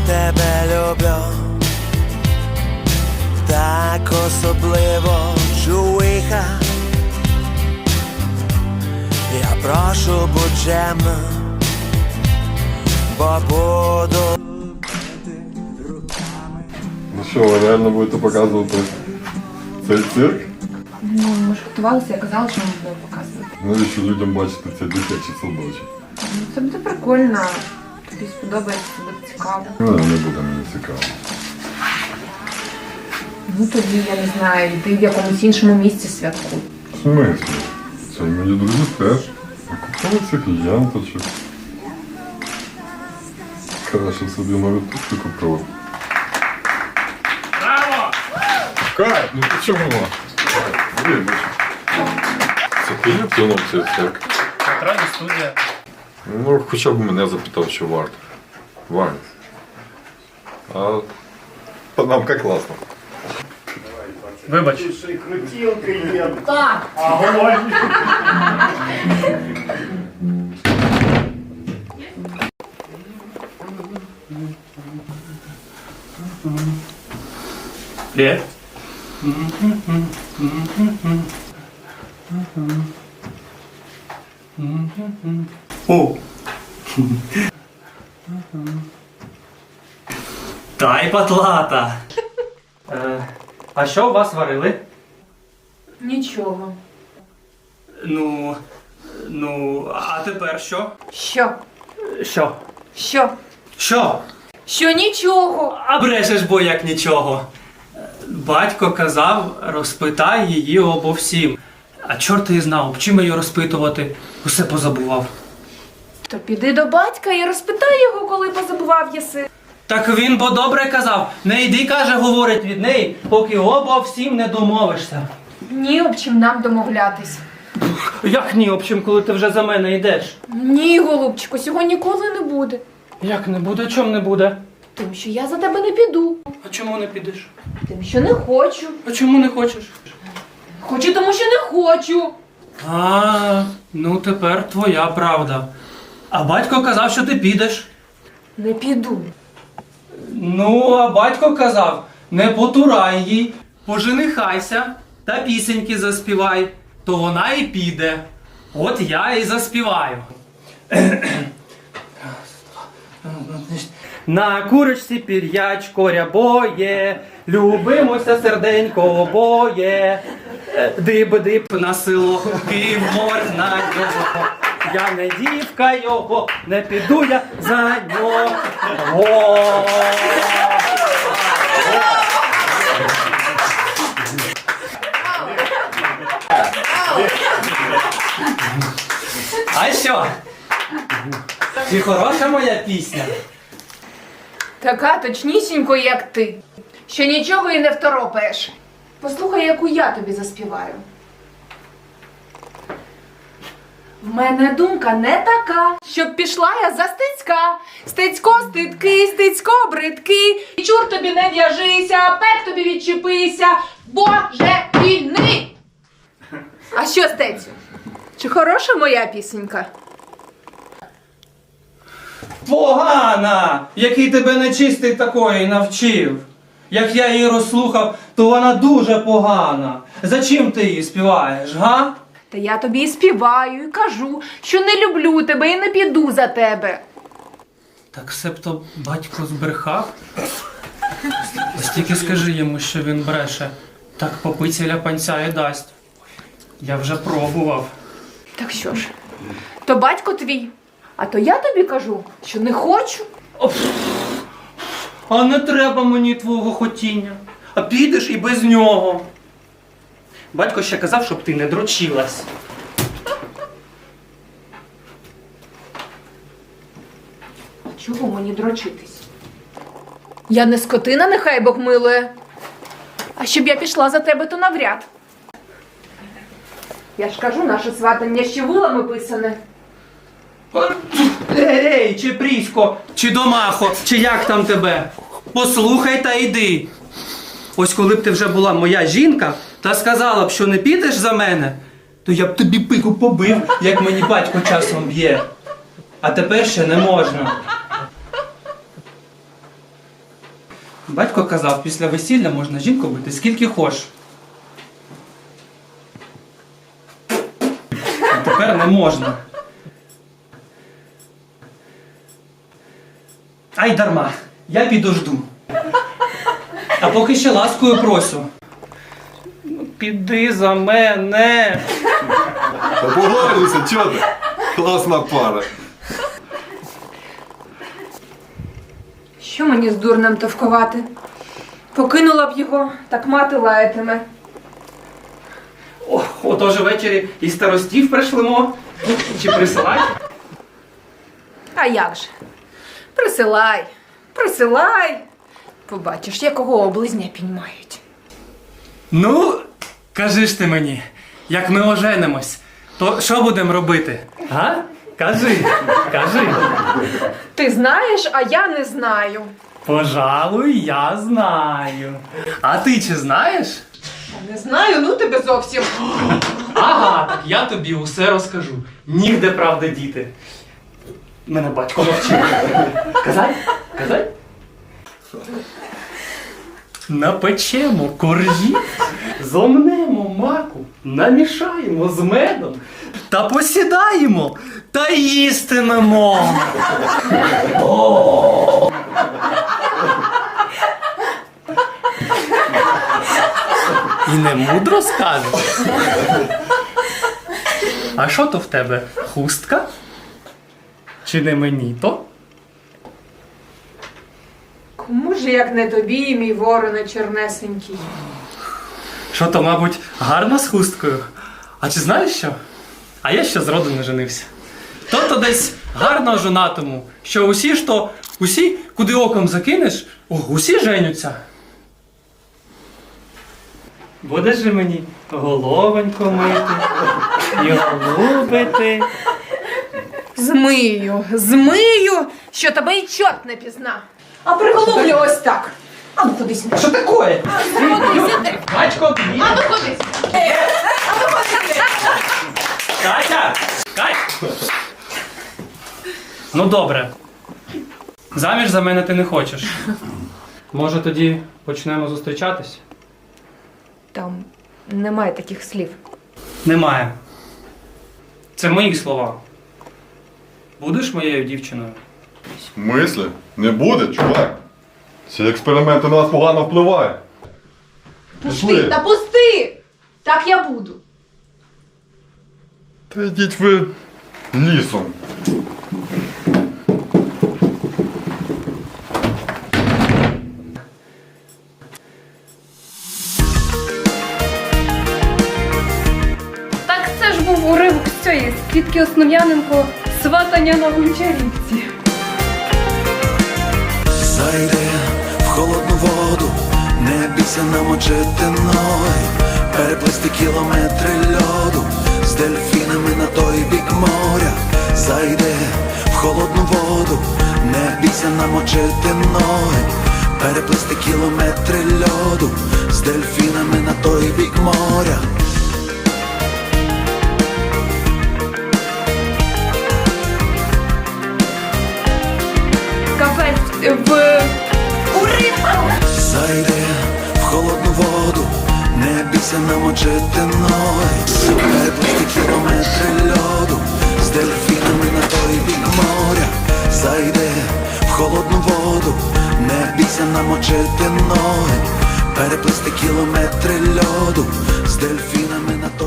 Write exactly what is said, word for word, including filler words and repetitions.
тебе люблю, так особливо чуйха. Я прошу, будь чемна, бо буду. Ну що, ви реально будете показувати цей цирк? Ну, ми ж готувалися, я казала, що ми будемо показувати. Навіщо людям бачити цей дитячий садочок? Ну, це буде прикольно. Тобі сподобається, це буде цікаво. Ну, не буде мені цікаво. Ну тоді, я не знаю, йди в якомусь іншому місці святкуй. В смислі? Це мої друзі теж. Купили цих янточок. Краще собі навіть тут купили. Браво! Кайф, ну ти чого? Вибач. Це ти втягнув цей цирк? Театральна студія. Ну, хоча б мене запитав, що варто. Варто. А панамка класна. Вибач. Так! Привет. О! Та й патлата. Е, а що у вас варили? Нічого. Ну, ну, а тепер що? Що? Що? Що? Що? Що нічого? А брешеш, бо як нічого. Батько казав, розпитай її обо всім. А чорт її знав, чим її розпитувати, усе позабував. То піди до батька і розпитай його, коли позабував єси. Так він бо добре казав, не йди, каже, говорить від неї, поки обо всім не домовишся. Ні, об чим нам домовлятись. Як ні, об чим, коли ти вже за мене йдеш? Ні, голубчику, цього ніколи не буде. Як не буде, чом не буде? Тому що я за тебе не піду. А чому не підеш? Тому що не хочу. А чому не хочеш? Хочу, тому що не хочу. А, ну тепер твоя правда. А батько казав, що ти підеш. Не піду. Ну, а батько казав, не потурай їй, поженихайся та пісеньки заспівай, то вона і піде. От я і заспіваю. На курочці пір'ячко рябоє, любимося серденько обоє. Диб-диб на село, Київ можна його. Я не дівка його, не піду я за нього. А що? Чи хороша моя пісня? Така точнісінько, як ти. Що нічого і не второпаєш. Послухай, яку я тобі заспіваю. В мене думка не така, щоб пішла я за Стецька. Стецько стидкий, Стецько бридкий. І чур тобі не в'яжися, пек тобі відчепися, Боже вільни! А що, Стецю? Чи хороша моя пісенька? Погана! Який тебе нечистий такої навчив. Як я її розслухав, то вона дуже погана. Зачим ти її співаєш, га? Та я тобі і співаю, і кажу, що не люблю тебе і не піду за тебе. Так себто батько збрехав? Ось тільки скажи йому, що він бреше. Так попиця панця і дасть. Я вже пробував. Так що ж, то батько твій, а то я тобі кажу, що не хочу. А не треба мені твого хотіння. А підеш і без нього. Батько ще казав, щоб ти не дрочилась. Чого мені дрочитись? Я не скотина, нехай Бог милує. А щоб я пішла за тебе, то навряд. Я ж кажу, наше сватання ще вилами писане. Ей, чи Прісько, чи Домахо, чи як там тебе? Послухай та йди. Ось коли б ти вже була моя жінка та сказала б, що не підеш за мене, то я б тобі пику побив, як мені батько часом б'є. А тепер ще не можна. Батько казав, після весілля можна жінку бити скільки хочеш. А тепер не можна. Ай дарма, я підожду. А поки ще ласкою просю. Ну, піди за мене. Та погоджуйся, чого ти? Класна пара. Що мені з дурнем товкувати? Покинула б його, так мати лаятиме. О, отож ввечері і старостів пришлемо. Чи присилай? А як же? Присилай, присилай. Побачиш, якого облизня піймають. Ну, кажи ж ти мені, як ми оженимось, то що будемо робити? А? Кажи, кажи. Ти знаєш, а я не знаю. Пожалуй, я знаю. А ти чи знаєш? Не знаю, ну тебе зовсім. Ага, так я тобі усе розкажу. Нігде правди діти. Мене батько навчив. Казай? Казай? Напечемо коржі, зомнемо маку, намішаємо з медом та посідаємо та їстимемо. О! І не мудро скажеш? А що то в тебе? Хустка? Чи не мені то? Кому ж як не тобі, мій вороне чорнесенький? Що то, мабуть, гарно з хусткою? А чи знаєш що? А я ще зроду не женився. То-то десь гарно жонатому, що усі ж то, усі, куди оком закинеш, о, усі женються. Будеш же мені головонько мити і голубити. Змию, змию, що тебе й чорт не пізна. А приголублю ось так. А ну ходи сюди. Що таке? Ходи сюди. Батько, б'є. А ну ходи сюди. А ну ходи сюди. Катя! Кать! Ну добре. Заміж за мене ти не хочеш. Може тоді почнемо зустрічатись? Там немає таких слів. Немає. Це мої слова. Будеш моєю дівчиною? В смислі? Не буде, чувак. Ці експерименти на нас погано впливають. Пусти, та пусти! Так я буду. Та йдіть ви лісом. Так це ж був уривок з цієї з Квітки Основ'яненко «Сватання на Гончарівці». Зайди в холодну воду, не бійся намочити ноги, переплисти кілометри льоду з дельфінами на той бік моря. Зайди в холодну воду, не бійся намочити ноги, переплисти кілометри льоду з дельфінами на той бік моря. Кафе в уривку. Зайди в холодну воду, не бійся намочити ноги, переплисти кілометри льоду з дельфінами на той бік моря. Зайди в холодну воду, не бійся намочити ноги, переплисти кілометри льоду з дельфінами на той